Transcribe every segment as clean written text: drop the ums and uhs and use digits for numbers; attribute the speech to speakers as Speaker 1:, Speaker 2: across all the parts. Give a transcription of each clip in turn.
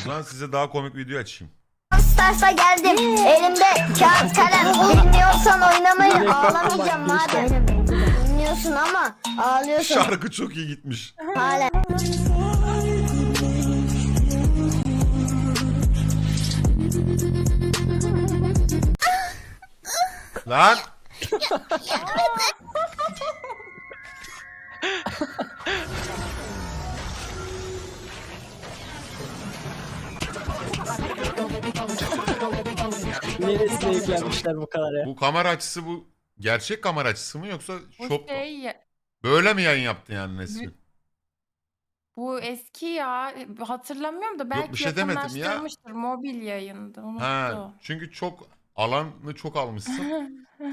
Speaker 1: Lan size daha komik video açayım.
Speaker 2: Stars'a geldim. Elimde kağıt kalem. Bilmiyorsan oynamayı ağlamayacağım madem. Bilmiyorsun ama ağlıyorsun
Speaker 1: Şarkı çok iyi gitmiş.
Speaker 2: hala.
Speaker 1: Lan.
Speaker 3: Neresine yüklenmişler bu kadar ya?
Speaker 1: Bu kamera açısı bu gerçek kamera açısı mı yoksa
Speaker 4: Bu
Speaker 1: şop
Speaker 4: şey,
Speaker 1: böyle mi yayın yaptı yani Nesrin?
Speaker 4: bu eski ya. Hatırlamıyorum da belki
Speaker 1: bir şey demedim ya.
Speaker 4: yakınlaştırmıştır. Mobil yayındı.
Speaker 1: Ha,
Speaker 4: Unuttu.
Speaker 1: çünkü çok alanı çok almışsın.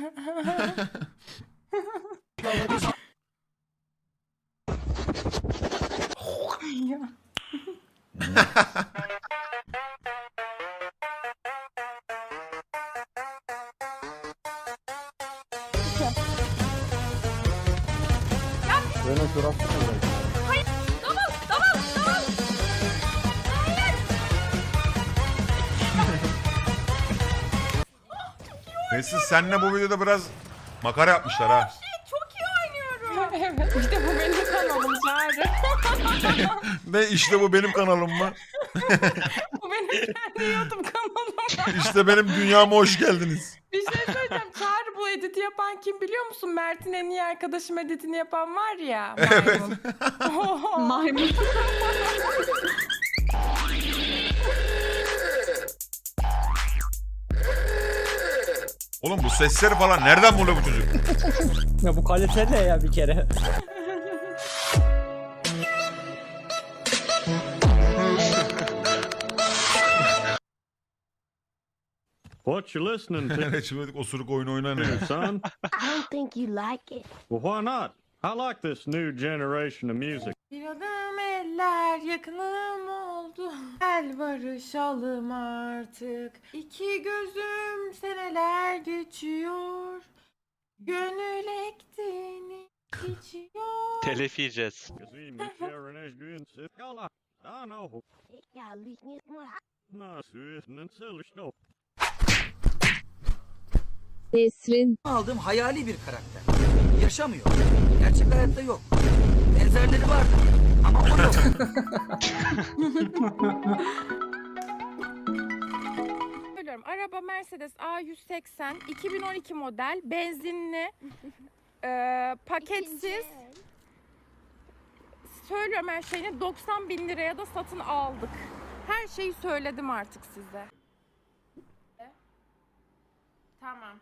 Speaker 3: Böyle durak tutuyor.
Speaker 1: Nesrin senle bu videoda biraz makara yapmışlar ha.
Speaker 4: Evet, işte bu benim kanalım Çağrı.
Speaker 1: Ne işte bu benim kanalım mı?
Speaker 4: Bu benim kendi YouTube kanalım.
Speaker 1: İşte benim dünyama hoş geldiniz.
Speaker 4: Bir şey söyleyeceğim. Çağrı, bu editi yapan kim biliyor musun? Mert'in en iyi arkadaşım editini yapan var ya.
Speaker 1: Evet.
Speaker 4: Maymun.
Speaker 5: Maymun.
Speaker 1: Oğlum bu sesleri falan nereden buluyor bu çocuk?
Speaker 3: Ya bu kalite ne ya bir kere?
Speaker 6: What you listening to,
Speaker 1: Evet şimdi osuruk oyunu oynanıyor.
Speaker 6: son?
Speaker 2: I don't think you like it.
Speaker 6: Well, why not? I like this new generation of music.
Speaker 4: Bir adım eller yakınım oldu. Gel barışalım artık. İki gözüm seneler geçiyor. Gönül ektiğini içiyor.
Speaker 7: Telif yiyeceğiz.
Speaker 6: Kazim, Sharon, Ashby, Sikala. I know. Nasıl çalışıyor?
Speaker 5: Nesrin.
Speaker 8: Aldığım hayali bir karakter. Yaşamıyor. Gerçek hayatta yok. Benzerleri vardı ama o yok.
Speaker 4: Söylüyorum. Araba Mercedes A180 2012 model benzinli paketsiz. Söylüyorum her şeyini 90 bin liraya da satın aldık. Her şeyi söyledim artık size. Tamam.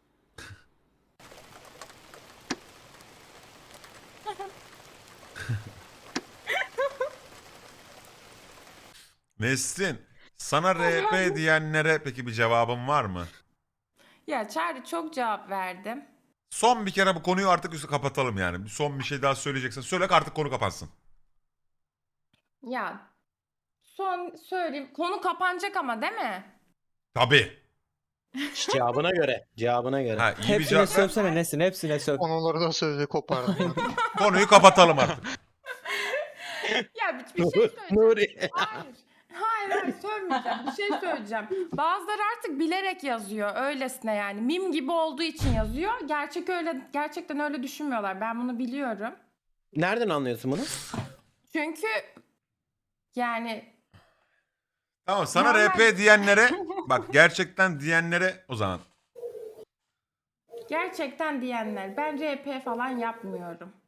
Speaker 1: Nesrin sana RP diyenlere peki bir cevabın var mı?
Speaker 4: Ya Çağrı, çok cevap verdim.
Speaker 1: Son bir kere bu konuyu artık üstü kapatalım yani. Son bir şey daha söyleyeceksen söyle artık konu kapansın.
Speaker 4: Ya son söyleyeyim. Konu kapanacak ama değil mi?
Speaker 1: Tabii.
Speaker 3: Cevabına göre. Cevabına göre.
Speaker 1: Ha, iyi bir
Speaker 3: Hepsine
Speaker 1: cevap ver.
Speaker 3: sövsene Nesin, hepsine söv.
Speaker 9: Onların sözü kopardım.
Speaker 1: Konuyu kapatalım artık.
Speaker 4: Ya bir şey söyleyeceğim.
Speaker 3: Nuri.
Speaker 4: Hayır. Hayır sövmeyeceğim. Bir şey söyleyeceğim. Bazıları artık bilerek yazıyor öylesine yani. Mim gibi olduğu için yazıyor. Gerçekten öyle düşünmüyorlar. Ben bunu biliyorum.
Speaker 3: Nereden anlıyorsun bunu?
Speaker 4: Çünkü yani
Speaker 1: Tamam sana
Speaker 4: Normal.
Speaker 1: RP diyenlere bak gerçekten diyenlere o zaman.
Speaker 4: gerçekten diyenler, ben RP falan yapmıyorum.